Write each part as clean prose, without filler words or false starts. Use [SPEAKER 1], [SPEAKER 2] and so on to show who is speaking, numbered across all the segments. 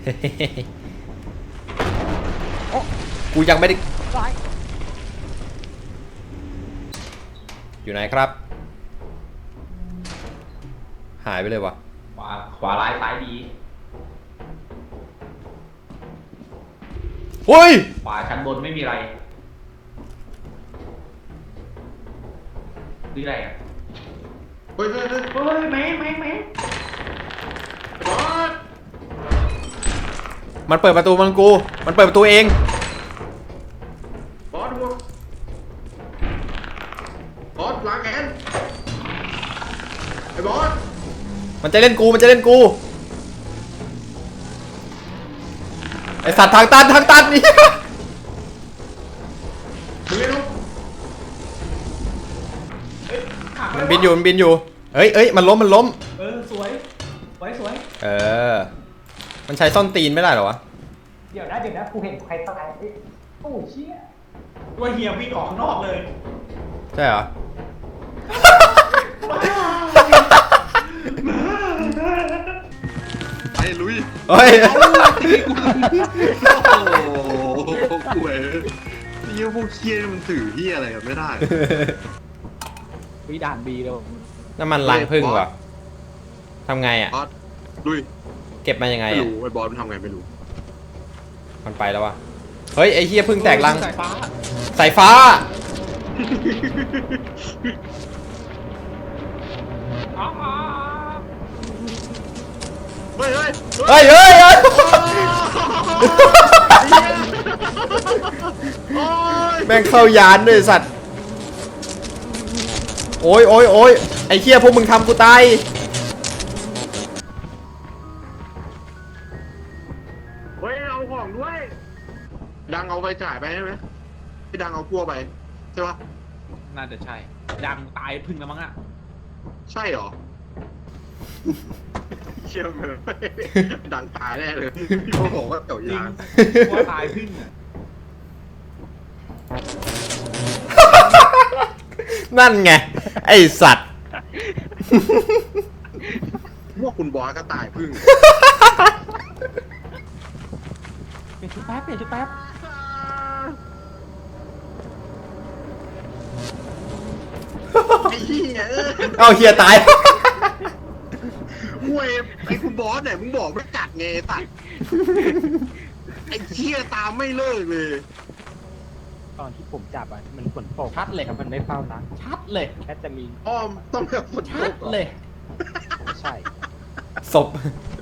[SPEAKER 1] กูยังไม่ได้อยู่ไหนครับหายไปเลยวะ
[SPEAKER 2] ขวาร้ายซ้ายดี
[SPEAKER 1] เฮ้ย
[SPEAKER 2] ขวาชั้นบนไม่มีอะไรนี่อะไรอ่ะ
[SPEAKER 3] เฮ้ย
[SPEAKER 2] แม่
[SPEAKER 3] บอส
[SPEAKER 1] มันเปิดประตูมันเปิดประตูเอง
[SPEAKER 3] บอสล้างแค้นไอ้บอส
[SPEAKER 1] มันจะเล่นกูไอสัตว์ทางตันนี่
[SPEAKER 3] มึงเล่นลูก
[SPEAKER 1] มันบินอยู่เอ้ยมันล้ม
[SPEAKER 2] สวย
[SPEAKER 1] มันใช้ซ่อนตีนไม่ได้เหรอวะ
[SPEAKER 4] เดี๋ยวนะกูเห็นใครตายโอ้เชี่ย
[SPEAKER 2] ว่าเฮียวิ่งออกข้างนอกเลย
[SPEAKER 1] ใช่เหรอ
[SPEAKER 3] ไอ้ลุย
[SPEAKER 1] เฮ้ย
[SPEAKER 3] โอ้โหกูเอ๋นี่พวกเคียมันถือที่อะไรกันไม่ได้
[SPEAKER 4] ด่านบีเลย
[SPEAKER 1] น้ำมันล้างพึ่งว่ะทำไงอ่ะ
[SPEAKER 3] บอสลุย
[SPEAKER 1] เก็บมายังไง
[SPEAKER 3] ไม่
[SPEAKER 1] อ่ะ
[SPEAKER 3] รู้ไอ้บอสมันทำไงไม่รู้
[SPEAKER 1] มันไปแล้ววะเฮ้ยไอ้เฮียพึ่งแตกรังสายฟ้า
[SPEAKER 3] เฮ้ย
[SPEAKER 1] แม่งเข้ายานด้วยสัตว์โอ้ยไอ้เฮียพวกมึงทำกูตาย
[SPEAKER 3] เฮ้ยเอาของด้วยดังเอาไปจ่ายไปใช่ไหมพี่ดังเอาพั่วไปใช่ปะ
[SPEAKER 2] น่าจะใช่ดังตายพึ่งแล้วมั้งอ่ะ
[SPEAKER 3] ใช่หรอเชื่อไหมดังตายแน่เลยพี่เขาบอกว่าเก่ายาง
[SPEAKER 2] ว่าตายพึ่งอ่ะ
[SPEAKER 1] นั่นไงไอสัตว์
[SPEAKER 3] พวกคุณบอสก็ตายพึ่ง
[SPEAKER 4] เปลี่ยนชุดแป๊บ
[SPEAKER 3] ไอ้เหี้ย
[SPEAKER 1] เอาเฮียตาย
[SPEAKER 3] เว้ยไอ้คุณบอสเนี่ยมึงบอกไม่กัดไงตัดไอ้เหี้ยตามไม่เลิกเลย
[SPEAKER 4] ตอนที่ผมจับอ่ะมันฝนตกชัดเลยครับมันไม่เฝ้านะชัดเลยแค่จะมี
[SPEAKER 3] อ้อมต้องแบบฝนตก
[SPEAKER 4] เลยใช่
[SPEAKER 1] ศพ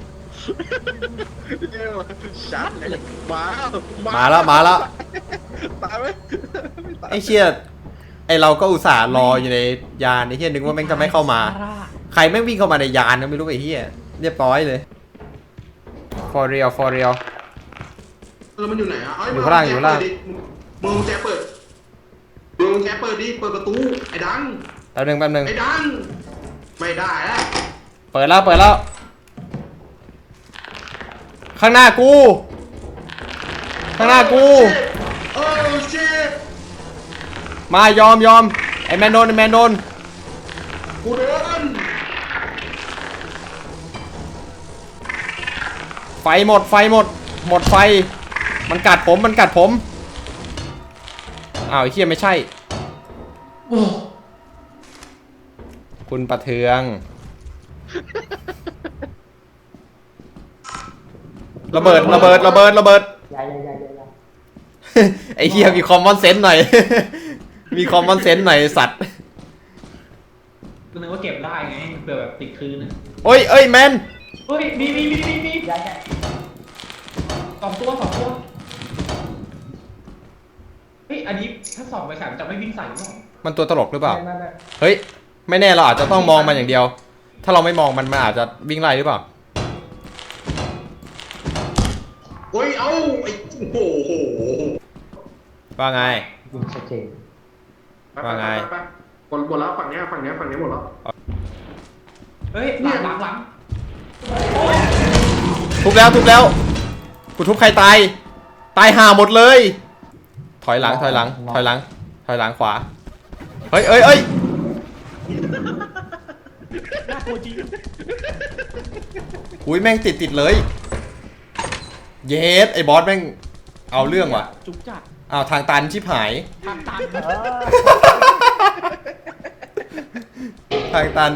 [SPEAKER 3] ชัดเลย
[SPEAKER 1] มาแล้ว
[SPEAKER 3] ตายไหม
[SPEAKER 1] ไอ้เชี่ยไอเราก็อุตส่าห์รออยู่ในยานไอ้เฮียนึกว่าแม่งจะไม่เข้ามาใครแม่งวิ่งเข้ามาในยานนะไม่รู้ไอ้เฮียเรียบร้อยเลย for real
[SPEAKER 3] แล้วมันอยู่ไหนอ่ะ
[SPEAKER 1] อยู่ข้างล่าง
[SPEAKER 3] มึงแกเปิดดิเปิดประตูไอ้ดัง
[SPEAKER 1] แป๊บนึง
[SPEAKER 3] ไอ้ดังไม่ได้แล้ว
[SPEAKER 1] เปิดแล้วข้างหน้ากู
[SPEAKER 3] โอ้เชิต
[SPEAKER 1] มายอมไอ้แมนโดน
[SPEAKER 3] กูโดน
[SPEAKER 1] ไฟหมดไฟมันกัดผมอ้าวไอ้เหี้ยไม่ใช่คุณประเทืองระเบิดไอ้เหี้ยมีคอมมอนเซนส์หน่อยมีคอมมอนเซนส์หน่อยสัตว์
[SPEAKER 2] ก็นึกว่าเก็บได้ไงเผื่อแบบติดคืน
[SPEAKER 1] เอ้ยแมน
[SPEAKER 2] เฮ้ยมีสองตัวเฮ้ยอันนี้ถ้าส่องไปฉายมันจะไม่วิ่งใส่หรอ
[SPEAKER 1] มันตัวตลกหรือเปล่าเฮ้ยไม่แน่เราอาจจะต้องมองมันอย่างเดียวถ้าเราไม่มองมันอาจจะวิ่งไล่หรือเปล่า
[SPEAKER 3] เฮ้ยเอาไอ้โอ้โห
[SPEAKER 1] ว่าไง
[SPEAKER 4] ชัดเจน
[SPEAKER 1] ว่าไง
[SPEAKER 3] หมดแล้วฝั่งนี้หมดแล้ว
[SPEAKER 2] เฮ้ยหลัง
[SPEAKER 1] ทุบแล้วกูทุบใครตายห่าหมดเลยถอยหลังขวาเฮ้ย
[SPEAKER 2] น่ากลัวจริง
[SPEAKER 1] อุ้ยแม่งติดเลยเยสไอ้บอสแม่งเอาเรื่องว่ะ
[SPEAKER 4] จุกจัด
[SPEAKER 1] อ้าวทางตันชิบหาย
[SPEAKER 4] ทางตัน
[SPEAKER 1] ทางตัน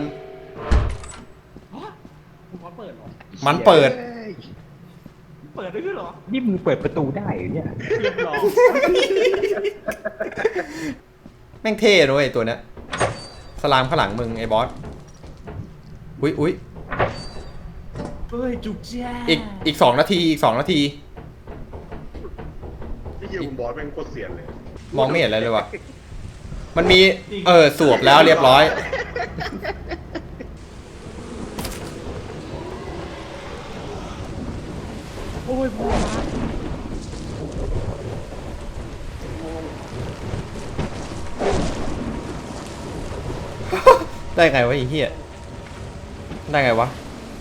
[SPEAKER 4] คุณพอเปิดเหรอ
[SPEAKER 1] มันเปิด
[SPEAKER 4] เปิดได้ด้วยเหรอ นี่มึงเปิดประตูได้เหรอเนี่ยเรียบร้อย
[SPEAKER 1] แม่งเท่ด้วยไอ้ตัวเนี้ยสลามข้างหลังมึงไอ้บอสอุ๊ย
[SPEAKER 4] เฮ้ยจุกจ้า
[SPEAKER 1] อีก2 นาทีอีก2 นาที
[SPEAKER 3] ที่ยิงบอสแม่งโคตรเสียนเลย
[SPEAKER 1] มองไม่เห็นอะไรเลยว่ะมันมีสวบแล้วเรียบร้อย
[SPEAKER 4] โอ้ยพ่อมา
[SPEAKER 1] ได้ไงวะไอ้เหี้ยได้ไงวะ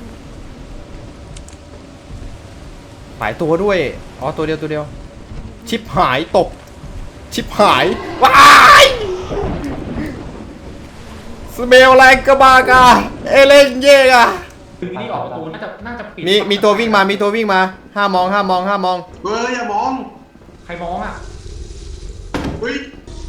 [SPEAKER 1] หลายตัวด้วยอ๋อตัวเดียวชิปหายตกชิปหายว้ายสเมลแรงกระบากาเอเลนเย่อะ
[SPEAKER 2] คือนี่ออกประตูน่าจะปิด
[SPEAKER 1] มีตัววิ่งมาห้ามอง
[SPEAKER 3] เฮ้ยอย่ามอง
[SPEAKER 2] ใครมองอ่ะ
[SPEAKER 3] อุ้ย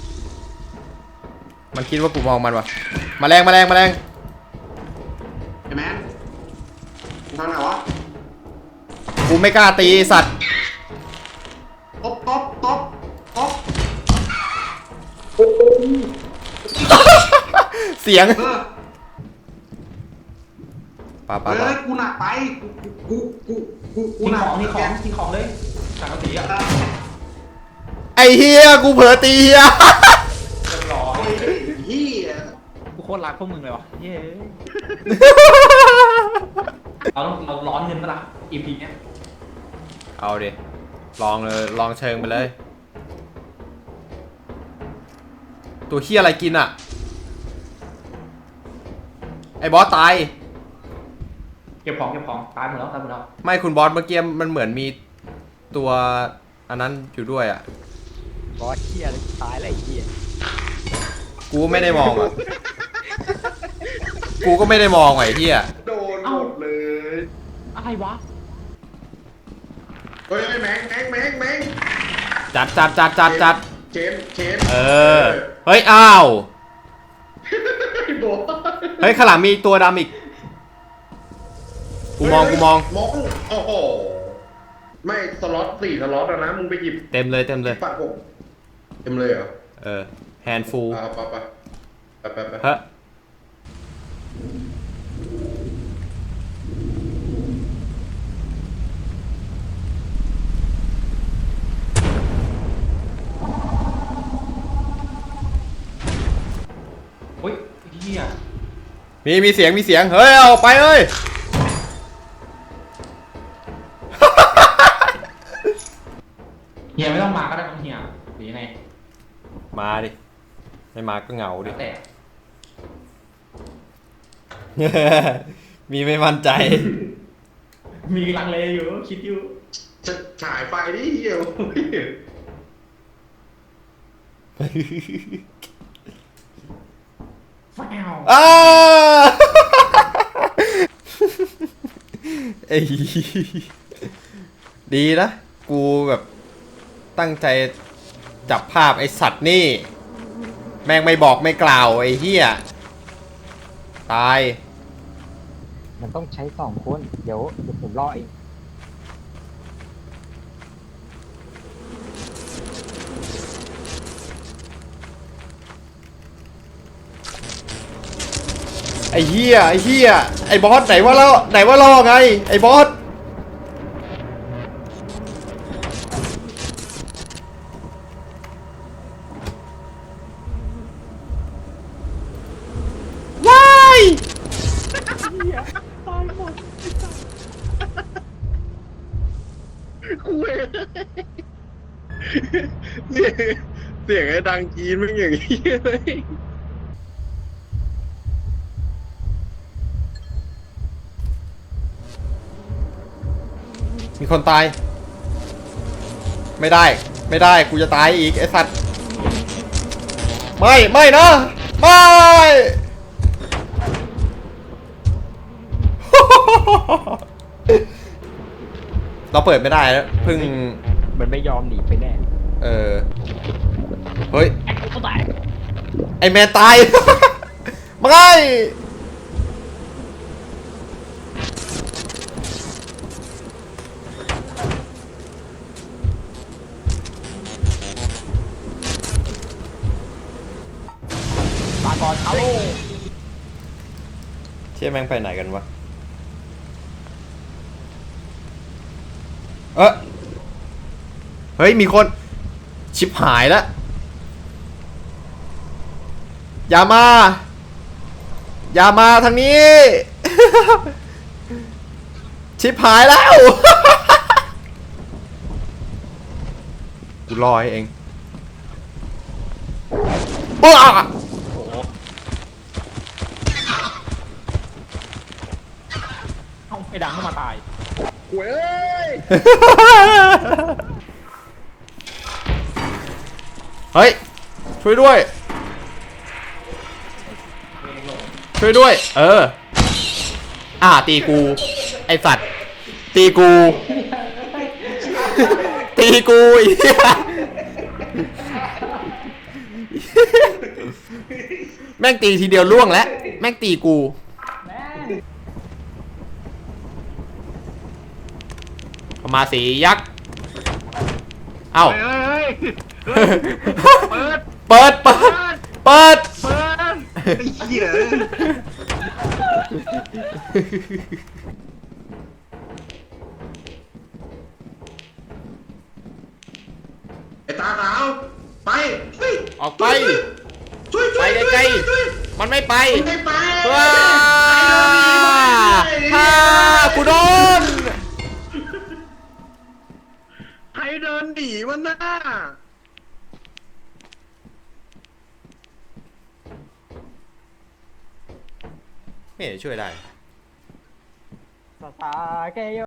[SPEAKER 1] มันคิดว่ากูมองมันวะแมลง
[SPEAKER 3] ไอ้แมนมึงทำไหนวะ
[SPEAKER 1] กูไม่กล้าตีไอ้สัตว์
[SPEAKER 3] ตบ
[SPEAKER 1] เสียง
[SPEAKER 3] เออ
[SPEAKER 1] ป่า
[SPEAKER 3] เฮ้ยกูหนักไปกู
[SPEAKER 2] ทิ้ง
[SPEAKER 3] หนัก
[SPEAKER 2] ของทิ้งของเลยสังกะสีอ่ะ
[SPEAKER 1] ไอเฮียกูเผลอตีเฮีย
[SPEAKER 2] เรียบร้อย
[SPEAKER 3] เฮีย
[SPEAKER 4] กูโคตรรักพวกมึงเลยวะเย้
[SPEAKER 2] เราร้อนเงินปะล่ะ EP เนี้ย
[SPEAKER 1] เอาดิลองเลยลองเชิงไปเลย ตัวเฮียอะไรกินอ่ะไอบอสตาย
[SPEAKER 2] เก็บของตายหมดแล้ว
[SPEAKER 1] ไม่คุณบอสเมื่อกี้มันเหมือนมีตัวอันนั้นอยู่ด้วยอ่ะ
[SPEAKER 4] บอสเฮียเลยตายอะไรเฮีย
[SPEAKER 1] กูไม่ได้มองอ่ะ กูก็ไม่ได้มองไอ้เฮีย
[SPEAKER 3] โดนหมดเลย
[SPEAKER 4] อะไรวะ
[SPEAKER 3] เฮ้ยแมง
[SPEAKER 1] จัด
[SPEAKER 3] เชน
[SPEAKER 1] เออ เฮ้ย อ้าว
[SPEAKER 3] โบ
[SPEAKER 1] เฮ้ยข้างหลังมีตัวดำอีก กูมอง
[SPEAKER 3] โอ้โหไม่สล็อต4 สล็อตแล้วนะมึงไปหยิบ
[SPEAKER 1] เต็มเลย
[SPEAKER 3] ปัดผมเต็มเลยเหรอ
[SPEAKER 1] เออ แฮนด์ฟูล
[SPEAKER 3] ไป
[SPEAKER 1] เฮ้ย
[SPEAKER 2] อุ้ยเฮีย
[SPEAKER 1] มีเสียง เฮ้ย เอาไปเอ้ย
[SPEAKER 2] เฮียไม่ต้องมาก็ได้ต้องเฮียหรือยังไง
[SPEAKER 1] มาดิ ไม่มาก็เหงาดิ
[SPEAKER 2] แต่
[SPEAKER 1] มีไม่มั่นใจ
[SPEAKER 2] มีลังเลอยู่คิดอยู่
[SPEAKER 3] ฉายไฟดิเหี้ย
[SPEAKER 2] แฟว
[SPEAKER 1] อ้า ไอ้ดีนะ กูแบบตั้งใจจับภาพไอ้สัตว์นี่ แม่งไม่บอกไม่กล่าวไอ้เหี้ยตาย
[SPEAKER 4] มันต้องใช้2 คนเดี๋ยวผมรอเอง
[SPEAKER 1] ไอ้เหี้ยไอ้บอสไหนว่าล่อไงไอ้บอสว้าย
[SPEAKER 3] กูเองเสียงไอ้ดังจีนมันอย่างนี้เลย
[SPEAKER 1] มีคนตายไม่ได้กูจะตายอีกไอ้สัตว์ไม่นะไม่เราเปิดไม่ได้แล้วเพิ่ง
[SPEAKER 4] มันไม่ยอมหนีไปแน่
[SPEAKER 1] เฮ้ย
[SPEAKER 4] ก็ตาย
[SPEAKER 1] ไอแมนตาย ไม่
[SPEAKER 4] ตาก่อนเอา
[SPEAKER 1] เชี่ยแม่งไปไหนกันวะ เฮ้ย มีคน ชิบหายแล้ว อย่ามา อย่ามาทางนี้ ชิบหายแล้ว กูรอให้เองอ้า
[SPEAKER 4] เอาไอ้ดังเข้ามาตาย
[SPEAKER 3] เว้ย
[SPEAKER 1] เฮ้ย ช่วยด้วย ช่วยด้วย ตีกู ไอสัตว์ ตีกู ตีกูไอ้เหี้ยแม่งตีทีเดียวล่วงแล้ว แม่งตีกู เข้ามาสียักษ์ เอ้า
[SPEAKER 3] เฮ้ยเปิด
[SPEAKER 1] เปิด เปิด เปิด
[SPEAKER 3] เปิดไอ้เหี้ยไอ้ตาขาวไปเฮ้ย
[SPEAKER 1] ออกไป
[SPEAKER 3] ช่วย
[SPEAKER 1] ไปไกลๆ มันไม่ไป
[SPEAKER 3] ไม่ไป
[SPEAKER 1] ว้าฮ่ากูโดน
[SPEAKER 3] ใครเดินหนีวะน่า
[SPEAKER 1] ไม่เห็นช่วยได้
[SPEAKER 4] สตาร์เกโย